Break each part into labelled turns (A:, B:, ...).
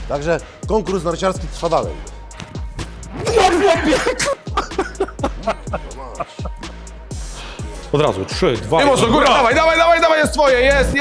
A: Także konkurs narciarski trwa dalej.
B: Od razu, 3, 2,
C: Nie może, góra, dawaj, jest twoje, jest.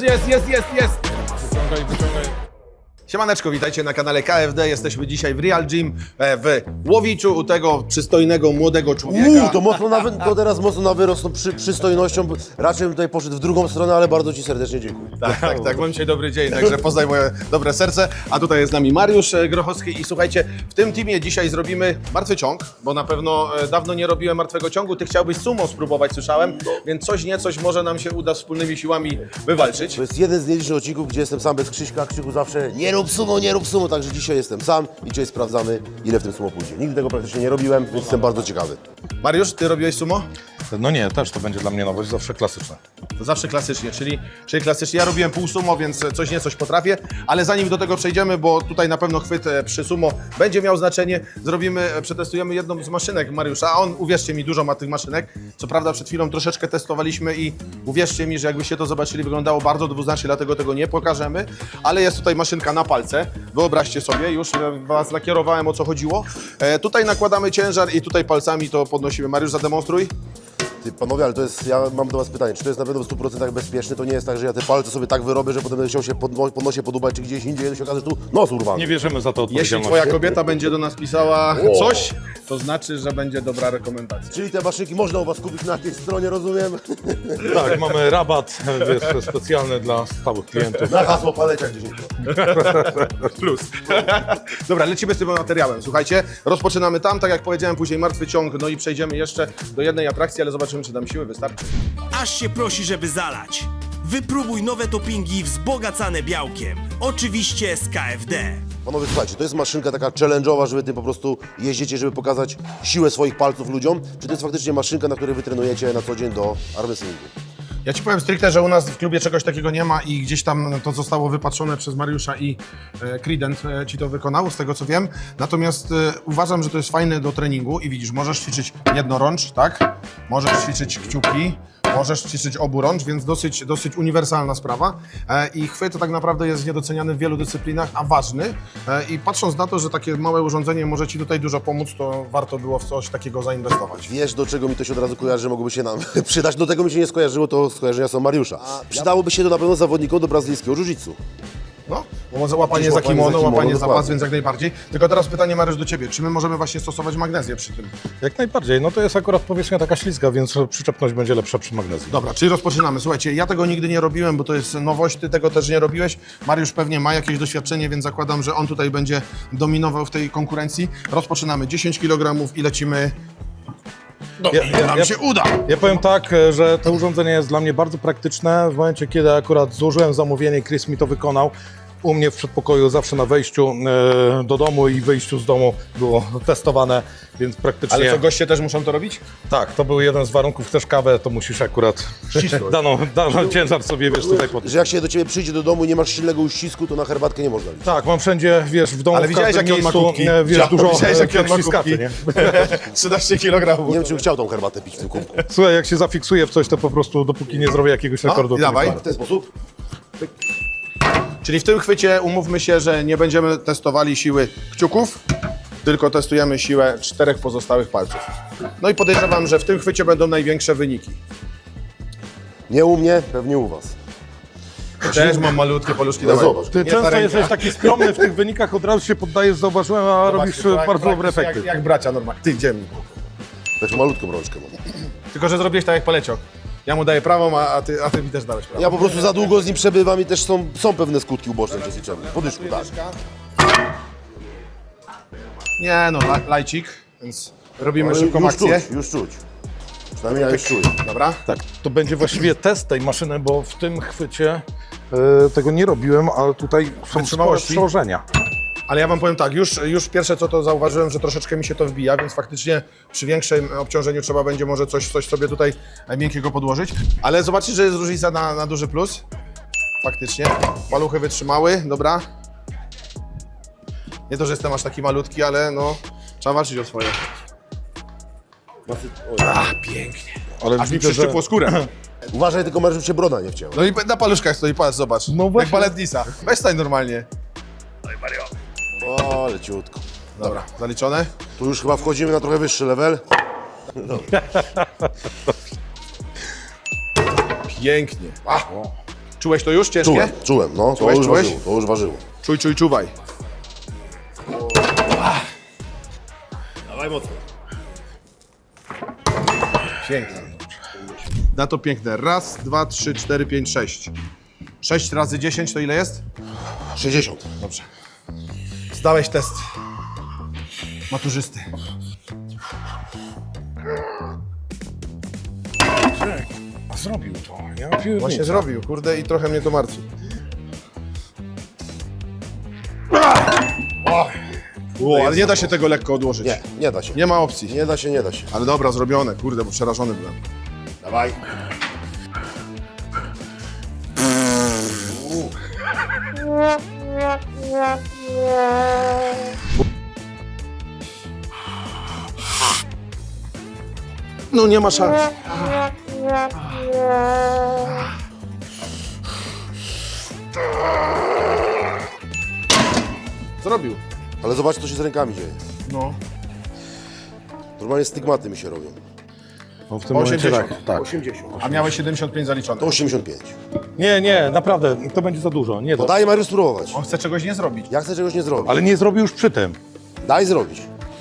B: Wyciągaj.
C: Siemaneczko, witajcie na kanale KFD. Jesteśmy dzisiaj w Real Gym w Łowiczu u tego przystojnego, młodego człowieka.
A: To teraz mocno na wyrost, no, przystojnością. Raczej bym tutaj poszedł w drugą stronę, ale bardzo Ci serdecznie dziękuję.
C: Tak, mam dzisiaj dobry dzień, także poznaj moje dobre serce. A tutaj jest z nami Mariusz Grochowski i słuchajcie, w tym teamie dzisiaj zrobimy martwy ciąg, bo na pewno dawno nie robiłem martwego ciągu. Ty chciałbyś sumo spróbować, słyszałem, więc coś może nam się uda wspólnymi siłami wywalczyć.
A: To jest jeden z nielicznych odcinków, gdzie jestem sam bez Krzyśka. Krzyku zawsze nie rób sumo, także dzisiaj jestem sam i dzisiaj sprawdzamy, ile w tym sumo pójdzie. Nigdy tego praktycznie nie robiłem, więc jestem bardzo ciekawy.
C: Mariusz, ty robiłeś sumo?
B: No nie, też to będzie dla mnie nowość, zawsze klasyczne.
C: To zawsze klasycznie, czyli klasycznie. Ja robiłem pół sumo, więc coś potrafię, ale zanim do tego przejdziemy, bo tutaj na pewno chwyt przy sumo będzie miał znaczenie, przetestujemy jedną z maszynek Mariusza, a on, uwierzcie mi, dużo ma tych maszynek. Co prawda przed chwilą troszeczkę testowaliśmy i uwierzcie mi, że jakbyście to zobaczyli, wyglądało bardzo dwuznacznie, dlatego tego nie pokażemy, ale jest tutaj maszynka na palce. Wyobraźcie sobie, już was nakierowałem, o co chodziło. Tutaj nakładamy ciężar i tutaj palcami to podnosimy. Mariusz, zademonstruj.
A: Ty, panowie, ale to jest, ja mam do Was pytanie, czy to jest na pewno w 100% bezpieczne? To nie jest tak, że ja te palce sobie tak wyrobię, że potem będę chciał się pod nosie podubać, czy gdzieś indziej, to się okaże, że tu nos urwany.
B: Nie bierzemy za to
C: Jeśli
B: odpowiedzialności.
C: twoja kobieta będzie do nas pisała coś, to znaczy, że będzie dobra rekomendacja.
A: Czyli te maszynki można u Was kupić na tej stronie, rozumiem?
B: Tak, mamy rabat, wiesz, specjalny dla stałych klientów.
A: Na hasło paleciak 10%.
C: Plus. Dobra, lecimy z tym materiałem. Słuchajcie, rozpoczynamy tam, tak jak powiedziałem, później martwy ciąg, no i przejdziemy jeszcze do jednej atrakcji, ale zobaczymy, czy nam siły wystarczy.
D: Aż się prosi, żeby zalać. Wypróbuj nowe toppingi wzbogacane białkiem. Oczywiście z KFD.
A: Panowie, słuchajcie, to jest maszynka taka challenge'owa, żeby tym po prostu jeździcie, żeby pokazać siłę swoich palców ludziom, czy to jest faktycznie maszynka, na której wy trenujecie na co dzień do armwrestlingu?
C: Ja Ci powiem stricte, że u nas w klubie czegoś takiego nie ma i gdzieś tam to zostało wypatrzone przez Mariusza i Creedent Ci to wykonał, z tego co wiem. Natomiast uważam, że to jest fajne do treningu i widzisz, możesz ćwiczyć jednorącz, tak? Możesz ćwiczyć kciuki, możesz ćwiczyć oburącz, więc dosyć uniwersalna sprawa. I chwyt to tak naprawdę jest niedoceniany w wielu dyscyplinach, a ważny. I patrząc na to, że takie małe urządzenie może Ci tutaj dużo pomóc, to warto było w coś takiego zainwestować.
A: Wiesz, do czego mi to się od razu kojarzy, że mogłoby się nam przydać? Do tego mi się nie skojarzyło, to skojarzenia są Mariusza. Przydałoby się to na pewno zawodnikom do brazylijskiego jiu-jitsu.
C: No, bo może łapanie za kimono, łapanie za pas, więc jak najbardziej. Tylko teraz pytanie, Mariusz, do Ciebie. Czy my możemy właśnie stosować magnezję przy tym?
B: Jak najbardziej, no to jest akurat powierzchnia taka ślizga, więc przyczepność będzie lepsza przy magnezji.
C: Dobra, czyli rozpoczynamy. Słuchajcie, ja tego nigdy nie robiłem, bo to jest nowość, Ty tego też nie robiłeś. Mariusz pewnie ma jakieś doświadczenie, więc zakładam, że on tutaj będzie dominował w tej konkurencji. Rozpoczynamy 10 kg i lecimy. Nam się uda!
B: Ja powiem tak, że to urządzenie jest dla mnie bardzo praktyczne. W momencie, kiedy akurat złożyłem zamówienie, Chris mi to wykonał. U mnie w przedpokoju zawsze na wejściu do domu i wyjściu z domu było testowane, więc praktycznie...
C: Ale co, goście też muszą to robić?
B: Tak, to był jeden z warunków, chcesz kawę, to musisz akurat daną ciężar sobie, wiesz, tutaj podnieść.
A: Że jak się do Ciebie przyjdzie do domu i nie masz silnego uścisku, to na herbatkę nie można liczyć.
B: Tak, mam wszędzie, wiesz, w domu,
C: Ale
B: w
C: widziałeś,
B: każdym
C: jakie on ma
B: miejscu,
C: kubki?
B: wiesz, dużo
C: Widziałeś, jakie on ma
B: śliskaczy,
C: kubki?
B: nie?
C: 13 kg.
A: Nie wiem, czy bym chciał tą herbatę pić w tym kubku.
B: Słuchaj, jak się zafiksuję w coś, to po prostu dopóki nie zrobię jakiegoś rekordu, to
C: dawaj.
B: nie wpadnę.
A: W ten sposób?
C: Czyli w tym chwycie umówmy się, że nie będziemy testowali siły kciuków, tylko testujemy siłę 4 pozostałych palców. No i podejrzewam, że w tym chwycie będą największe wyniki.
A: Nie u mnie, pewnie u Was.
C: Też mam malutkie paluszki,
A: No
C: dawaj.
A: zobacz.
B: Ty
C: Nie ta
B: często
C: ręka.
B: jesteś taki skromny w tych wynikach, od razu się poddajesz, zauważyłem, a robisz
C: Zobaczcie, to
B: bardzo dobre
C: praktycznie
B: efekty.
C: Jak bracia normalnie. Ty, gdzie mi?
A: Taką malutką rączkę mam.
C: Tylko, że zrobiłeś tak jak paleciok. Ja mu daję prawą, a ty mi też dałeś prawą.
A: Ja po prostu za długo z nim przebywam i też są pewne skutki uboczne przezliczone. Podyszku, tak.
C: Nie no, lajcik, więc robimy szybką
A: Już
C: akcję.
A: czuć, już czuć. Przynajmniej ja już czuję.
C: Dobra?
B: Tak, to będzie właściwie test tej maszyny, bo w tym chwycie tego nie robiłem, ale tutaj są spore
C: Wytrzymałości?
B: przełożenia.
C: Ale ja wam powiem tak, już pierwsze co to zauważyłem, że troszeczkę mi się to wbija, więc faktycznie przy większym obciążeniu trzeba będzie może coś sobie tutaj miękkiego podłożyć. Ale zobaczcie, że jest różnica na duży plus. Faktycznie. Paluchy wytrzymały, dobra. Nie to, że jestem aż taki malutki, ale no trzeba walczyć o swoje. Pięknie.
B: Ale
C: Aż mi
B: widzę, że...
C: przyszczypło skórę.
A: Uważaj tylko, Mariusz, żeby się broda nie wcięła.
C: No i na paluszkach stoi, patrz, zobacz.
B: No
C: Jak
B: właśnie.
C: baletnisa. Weź stań normalnie.
A: O, leciutko.
C: Dobra, zaliczone?
A: Tu już chyba wchodzimy na trochę wyższy level.
C: Pięknie. Czułeś to już ciężkie?
A: Czułem, no. To
C: Czułeś,
A: już
C: czułeś?
A: ważyło, to już ważyło.
C: Czuj, czuwaj.
A: Dawaj mocno.
C: Pięknie. Na to piękne. Raz, 2, 3, 4, 5, 6. 6 razy 10 to ile jest?
A: 60.
C: Dobrze. Zdałeś test maturzysty.
B: Zrobił to. Ja pierdolę.
C: Właśnie zrobił, kurde, i trochę mnie to martwi. Ale nie da się tego lekko odłożyć.
A: Nie, nie da się.
C: Nie ma opcji.
A: Nie da się, nie da się.
C: Ale dobra, zrobione, kurde, bo przerażony byłem.
A: Dawaj.
C: No nie ma szans. Zrobił.
A: Ale zobacz, co się z rękami dzieje.
C: No.
A: Normalnie stygmaty mi się robią.
B: No, w tym momencie
C: 80.
B: tak. Tak.
A: 80.
C: A miałeś 75 zaliczone.
A: To 85.
B: Nie, naprawdę, to będzie za dużo. Nie,
A: No daj Mariusz spróbować.
C: On chce czegoś nie zrobić.
A: Ja chcę czegoś nie zrobić.
B: ale nie zrobił już przy tym.
A: Daj zrobić.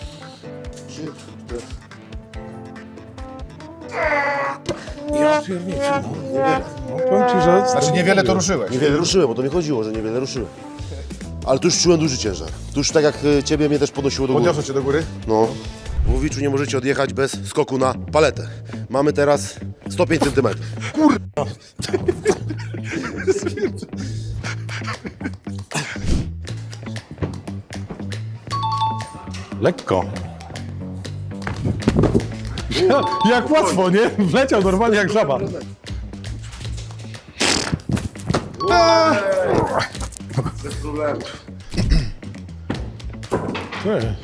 B: Ja pierniczę. No, powiem ci, że...
C: Znaczy niewiele to ruszyłeś.
A: Niewiele ruszyłem, bo to mi chodziło, że niewiele ruszyłem. Ale tu już czułem duży ciężar. Tu już tak jak ciebie mnie też podnosiło do góry.
C: Podniosę cię do góry.
A: No. W Łowiczu nie możecie odjechać bez skoku na paletę. Mamy teraz 105 cm.
B: Lekko. Jak łatwo, nie? Wleciał normalnie jak żaba.
A: Bez problemu.
B: Ty.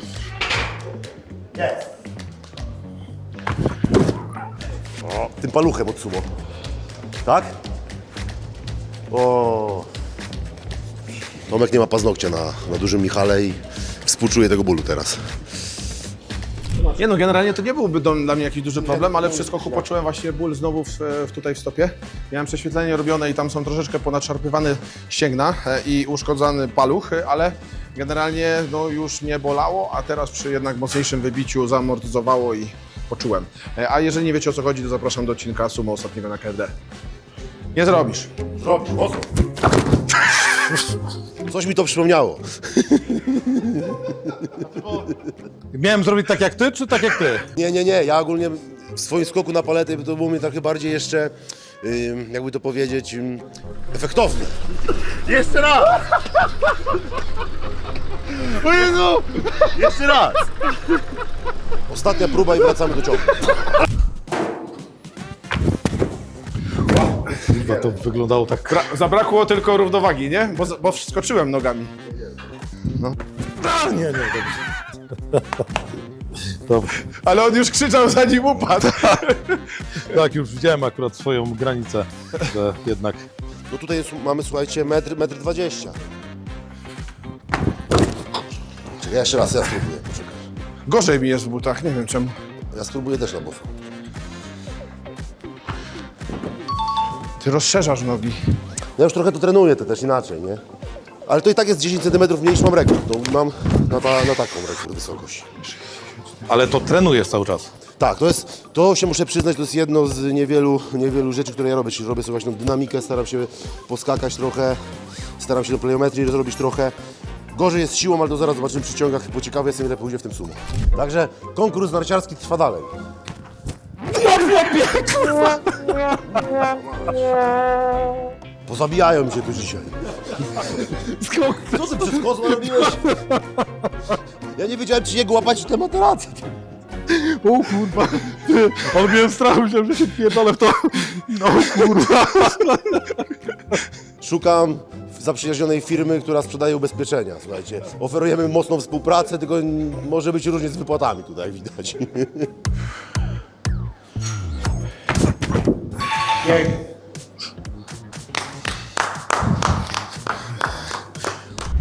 A: Tym paluchem od sumo. Tak? O. Tomek nie ma paznokcia na dużym Michale i współczuje tego bólu teraz.
C: Nie no, generalnie to nie byłby dla mnie jakiś duży problem, ale przy skoku poczułem właśnie ból znowu tutaj w stopie. Miałem prześwietlenie robione i tam są troszeczkę ponadszarpywane ścięgna i uszkodzony paluch, ale generalnie no, już nie bolało, a teraz przy jednak mocniejszym wybiciu zaamortyzowało i poczułem. A jeżeli nie wiecie o co chodzi, to zapraszam do odcinka sumo ostatniego na KFD. Nie zrobisz.
A: Zrobił, mocno. Coś mi to przypomniało.
B: Miałem zrobić tak jak ty, czy tak jak ty?
A: Nie. Ja ogólnie w swoim skoku na paletę to było mnie trochę bardziej jeszcze, jakby to powiedzieć, efektowne. Jeszcze raz! O Jezu! Jeszcze raz! Ostatnia próba i wracamy do ciągu.
B: Chyba to wyglądało tak...
C: Zabrakło tylko równowagi, nie? Bo wskoczyłem nogami.
B: A, nie, dobrze.
C: Ale on już krzyczał zanim upadł.
B: Tak, już widziałem akurat swoją granicę, że jednak...
A: No tutaj mamy, słuchajcie, metr 20. Czekaj, jeszcze raz, ja spróbuję, poczekaj.
C: Gorzej mi jest w butach, nie wiem czemu.
A: Ja spróbuję też na boso.
C: Ty rozszerzasz nogi.
A: Ja już trochę to trenuję, to też inaczej, nie? Ale to i tak jest 10 cm mniej niż mam rekord. To mam na taką rekord wysokość.
B: Ale to trenujesz cały czas.
A: Tak, to się muszę przyznać, to jest jedno z niewielu rzeczy, które ja robię. Czyli robię sobie właśnie dynamikę, staram się poskakać trochę, staram się do plyometrii zrobić trochę. Gorzej jest z siłą, ale to zaraz zobaczymy przy ciągach, bo ciekawy jestem, ile pójdzie w tym sumo. Także konkurs narciarski trwa dalej. Pozabijają mi się tu dzisiaj. Co ty przez kozła robiłeś? Ja nie wiedziałem, czy jego łapać te materacje.
B: O kurwa, on miałem strach, myślałem, że się pierdolę w to. No kurwa.
A: Szukam zaprzyjaźnionej firmy, która sprzedaje ubezpieczenia, słuchajcie. Oferujemy mocną współpracę, tylko może być różnie z wypłatami tutaj, widać.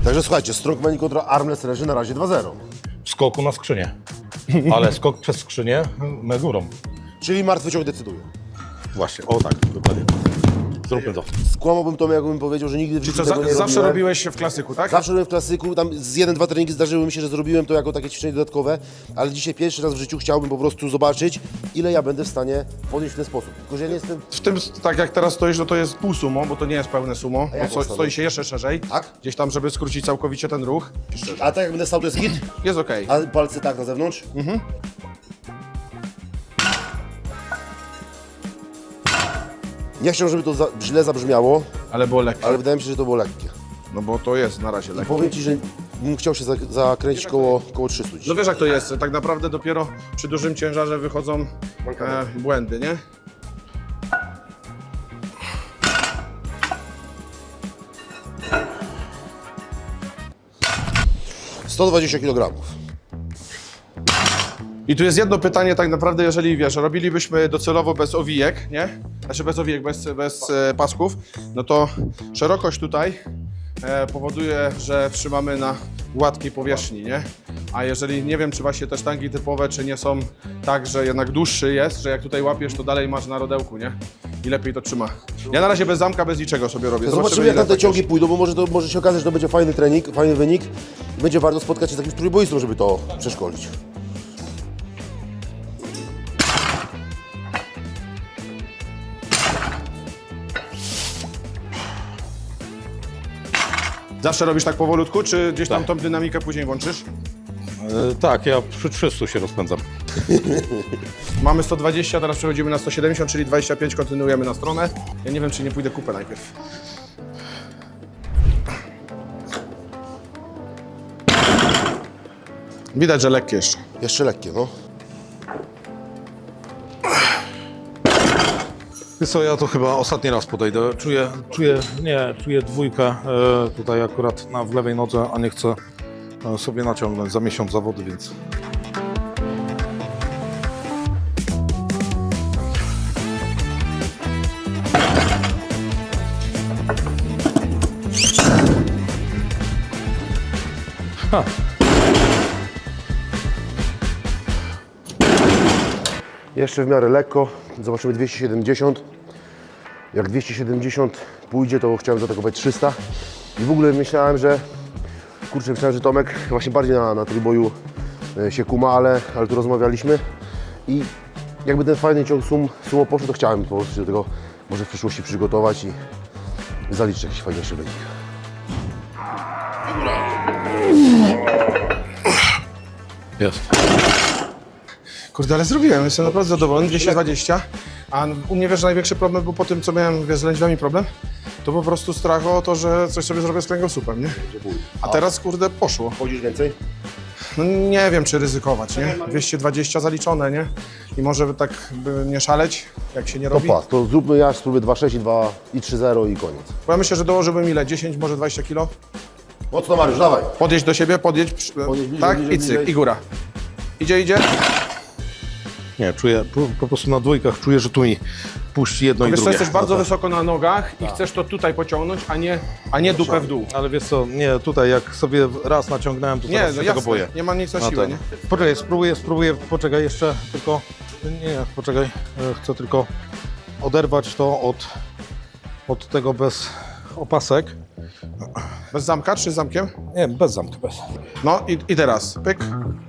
A: Także słuchajcie, strongman kontra armrest leży na razie 2-0.
B: W skoku na skrzynię. Ale skok przez skrzynię my górą.
A: Czyli martwy ciąg decyduje.
B: Właśnie, o tak, dokładnie. Zróbmy to.
A: Skłamałbym to, jakbym powiedział, że nigdy w życiu
C: Co,
A: tego nie
C: zawsze
A: robiłem.
C: robiłeś w klasyku, tak?
A: Zawsze robiłem w klasyku, tam z 1-2 treningi zdarzyły mi się, że zrobiłem to jako takie ćwiczenie dodatkowe, ale dzisiaj pierwszy raz w życiu chciałbym po prostu zobaczyć, ile ja będę w stanie podnieść w ten sposób. Tylko, że ja nie jestem...
C: W tym, tak jak teraz stoisz, no to jest pół sumo, bo to nie jest pełne sumo,
A: jak
C: bo
A: on
C: stoi się jeszcze szerzej.
A: Tak?
C: Gdzieś tam, żeby skrócić całkowicie ten ruch.
A: A tak jak będę stał, to jest hit?
C: Jest okej.
A: A palce tak na zewnątrz? Nie chciałbym, żeby to źle zabrzmiało,
C: Ale było lekkie.
A: ale wydaje mi się, że to było lekkie.
C: No bo to jest na razie lekkie.
A: Powiem Ci, że bym chciał się zakręcić koło 300
C: No
A: dzisiaj.
C: wiesz jak to jest, tak naprawdę dopiero przy dużym ciężarze wychodzą błędy, nie?
A: No. 120 kg.
C: I tu jest jedno pytanie tak naprawdę, jeżeli wiesz, robilibyśmy docelowo bez owijek, nie? Znaczy bez owijek, bez pasków, no to szerokość tutaj powoduje, że trzymamy na gładkiej powierzchni, nie? A jeżeli, nie wiem, czy właśnie te sztangi typowe, czy nie są tak, że jednak dłuższy jest, że jak tutaj łapiesz, to dalej masz na rodełku, nie? I lepiej to trzyma. Ja na razie bez zamka, bez niczego sobie robię.
A: Zobaczymy, jak
C: ile
A: tam te
C: tak
A: ciągi
C: jest.
A: pójdą, bo może się okazać, że to będzie fajny trening, fajny wynik. Będzie warto spotkać się z jakimś trójboistą, żeby to przeszkolić.
C: Zawsze robisz tak powolutku, czy gdzieś tam
B: Tak.
C: tą dynamikę później włączysz?
B: Tak, ja przy 300 się rozpędzam.
C: Mamy 120, teraz przechodzimy na 170, czyli 25, kontynuujemy na stronę. Ja nie wiem, czy nie pójdę kupę najpierw. Widać, że lekkie jeszcze.
A: Jeszcze lekkie, no.
B: Wiesz co, ja to chyba ostatni raz podejdę. Czuję dwójkę tutaj akurat w lewej nodze, a nie chcę sobie naciągnąć za miesiąc zawody, więc...
A: Jeszcze w miarę lekko. Zobaczymy 270. Jak 270 pójdzie, to chciałem zaatakować 300. I w ogóle myślałem, że Tomek właśnie bardziej na trójboju się kuma, ale tu rozmawialiśmy. I jakby ten fajny ciąg sumo poszedł, to chciałem po prostu się do tego może w przyszłości przygotować i zaliczyć jakiś fajniejszy wynik.
B: Jest.
C: Kurde, ale zrobiłem, jestem naprawdę zadowolony, 220. A u mnie, wiesz, największy problem był po tym, co miałem, wiesz, z lędźwiami problem, to po prostu strach o to, że coś sobie zrobię z kręgosłupem, nie? A teraz, kurde, poszło.
A: Chodzisz więcej?
C: No nie wiem, czy ryzykować, nie? 220 zaliczone, nie? I może tak by nie szaleć, jak się nie
A: To
C: robi.
A: pas, to zróbmy ja spróbuję 2,6 i 3,0 i koniec.
C: Bo ja myślę, że dołożyłbym ile? 10, może 20 kilo?
A: Mocno Mariusz, dawaj.
C: Podjedź do siebie, podjedź,
A: bliżej,
C: tak?
A: bliżej,
C: I cyk,
A: bliżej.
C: i góra. Idzie.
B: Nie, czuję, po prostu na dwójkach czuję, że tu mi puści jedno i
C: Wiesz co,
B: drugie.
C: jesteś bardzo wysoko na nogach i chcesz to tutaj pociągnąć, a nie dupę w dół.
B: Ale wiesz co, nie, tutaj jak sobie raz naciągnąłem, to
C: Nie,
B: teraz
C: no
B: się tego
C: jasne,
B: boję.
C: nie ma nic na
B: No
C: siłę,
B: to-
C: nie?
B: Poczekaj, spróbuję, poczekaj jeszcze, tylko... Nie, poczekaj, chcę tylko oderwać to od tego bez opasek.
C: Bez zamka czy z zamkiem?
B: Nie, bez zamka, bez.
C: No i teraz, pyk.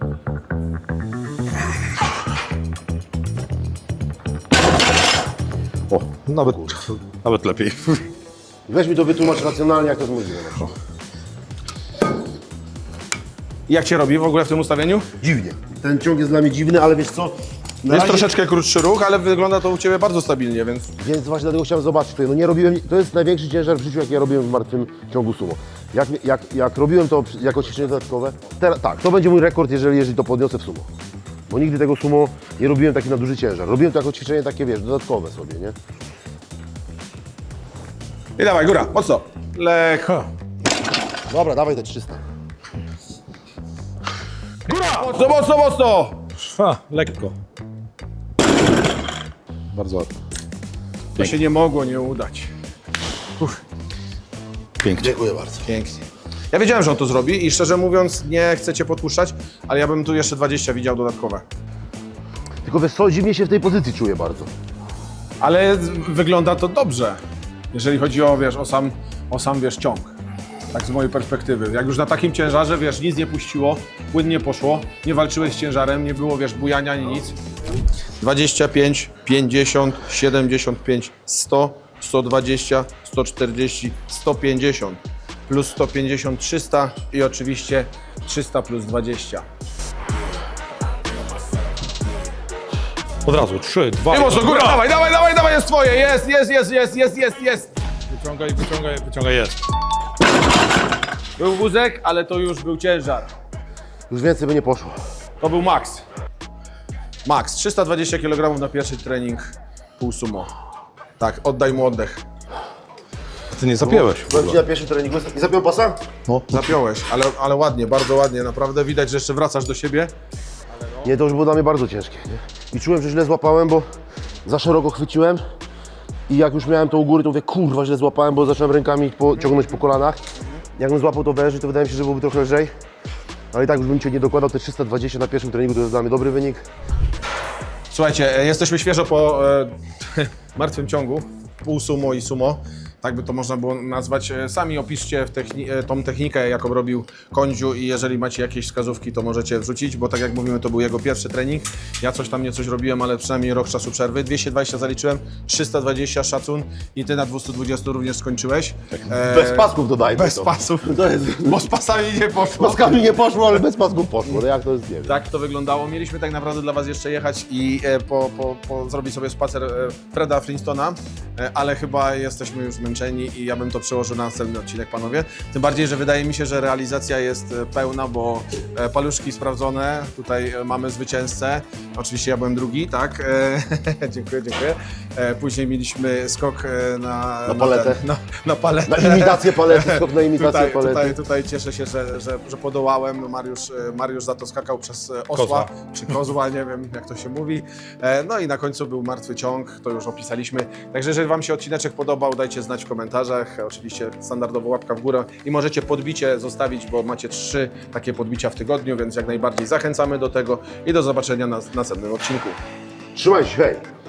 B: O, nawet lepiej.
A: Weź mi to wytłumacz racjonalnie, jak to jest możliwe. No.
C: I jak się robi w ogóle w tym ustawieniu?
A: Dziwnie. Ten ciąg jest dla mnie dziwny, ale wiesz co? Na
C: Jest
A: razie-
C: troszeczkę krótszy ruch, ale wygląda to u Ciebie bardzo stabilnie, więc...
A: Więc właśnie dlatego chciałem zobaczyć tutaj. No nie robiłem, to jest największy ciężar w życiu, jaki ja robiłem w martwym ciągu sumo. Jak robiłem to jako ćwiczenie dodatkowe, tak, to będzie mój rekord, jeżeli to podniosę w sumo. Bo nigdy tego sumo nie robiłem taki na duży ciężar. Robiłem to jako ćwiczenie takie, wiesz, dodatkowe sobie, nie?
C: I dawaj, góra, mocno. Lekko.
A: Dobra, dawaj te 300.
C: Mocno!
B: Lekko. Bardzo ładnie.
C: To się nie mogło nie udać.
B: Pięknie.
A: Dziękuję bardzo.
C: Pięknie. Ja wiedziałem, że on to zrobi i szczerze mówiąc nie chcę cię podpuszczać, ale ja bym tu jeszcze 20 widział dodatkowe.
A: Tylko wiesz co, dziwnie się w tej pozycji czuję bardzo.
C: Ale wygląda to dobrze, jeżeli chodzi o, wiesz, o sam wiesz, ciąg. Tak z mojej perspektywy. Jak już na takim ciężarze, wiesz, nic nie puściło, płynnie poszło, nie walczyłeś z ciężarem, nie było, wiesz, bujania ani nic. 25, 50, 75, 100, 120, 140, 150, plus 150, 300 i oczywiście 300 plus 20.
B: Od razu, 3, 2,
C: Nie mocno, góra, dawaj, dawaj, dawaj, dawaj, jest twoje, jest.
B: Wyciągaj, jest.
C: Był wózek, ale to już był ciężar.
A: Już więcej by nie poszło.
C: To był max. Max, 320 kg na pierwszy trening, pół sumo. Tak, oddaj mu oddech.
B: Ty nie zapięłeś.
A: Byłem ci na pierwszym treningu i zapiął pasa?
C: Zapiąłeś, ale ładnie, bardzo ładnie, naprawdę widać, że jeszcze wracasz do siebie.
A: Nie, to już było dla mnie bardzo ciężkie. Nie? I czułem, że źle złapałem, bo za szeroko chwyciłem. I jak już miałem to u góry, to mówię, kurwa, źle złapałem, bo zacząłem rękami ciągnąć po kolanach. Jakbym złapał to wężej, to wydaje mi się, że byłoby trochę lżej. Ale i tak już bym cię nie dokładał, te 320 na pierwszym treningu to jest dla mnie dobry wynik.
C: Słuchajcie, jesteśmy świeżo po martwym ciągu, pół sumo i sumo. Tak by to można było nazwać. Sami opiszcie tą technikę, jaką robił Kondziu i jeżeli macie jakieś wskazówki, to możecie wrzucić, bo tak jak mówimy, to był jego pierwszy trening. Ja coś tam, nie coś robiłem, ale przynajmniej rok czasu przerwy. 220 zaliczyłem, 320 szacun i ty na 220 również skończyłeś.
A: Bez pasków dodajmy.
C: Bez
A: to.
C: pasów,
A: To jest,
C: bo z pasami nie poszło.
A: paskami nie poszło, ale bez pasków poszło. No jak to jest, nie wiem.
C: Tak to wyglądało. Mieliśmy tak naprawdę dla Was jeszcze jechać i zrobić sobie spacer Freda Flintstona, ale chyba jesteśmy już zmęczeni i ja bym to przełożył na następny odcinek, panowie. Tym bardziej, że wydaje mi się, że realizacja jest pełna, bo paluszki sprawdzone, tutaj mamy zwycięzcę. Oczywiście ja byłem drugi, tak? Dziękuję. Później mieliśmy skok na
A: paletę.
C: Na paletę.
A: Na imitację palety, skok na imitację palety.
C: Tutaj cieszę się, że podołałem. Mariusz za to skakał przez osła, czy kozła, nie wiem jak to się mówi. No i na końcu był martwy ciąg, to już opisaliśmy. Także jeżeli Wam się odcineczek podobał, dajcie znać w komentarzach. Oczywiście standardowo łapka w górę i możecie podbicie zostawić, bo macie 3 takie podbicia w tygodniu, więc jak najbardziej zachęcamy do tego i do zobaczenia na następnym odcinku.
A: Trzymaj się, hej!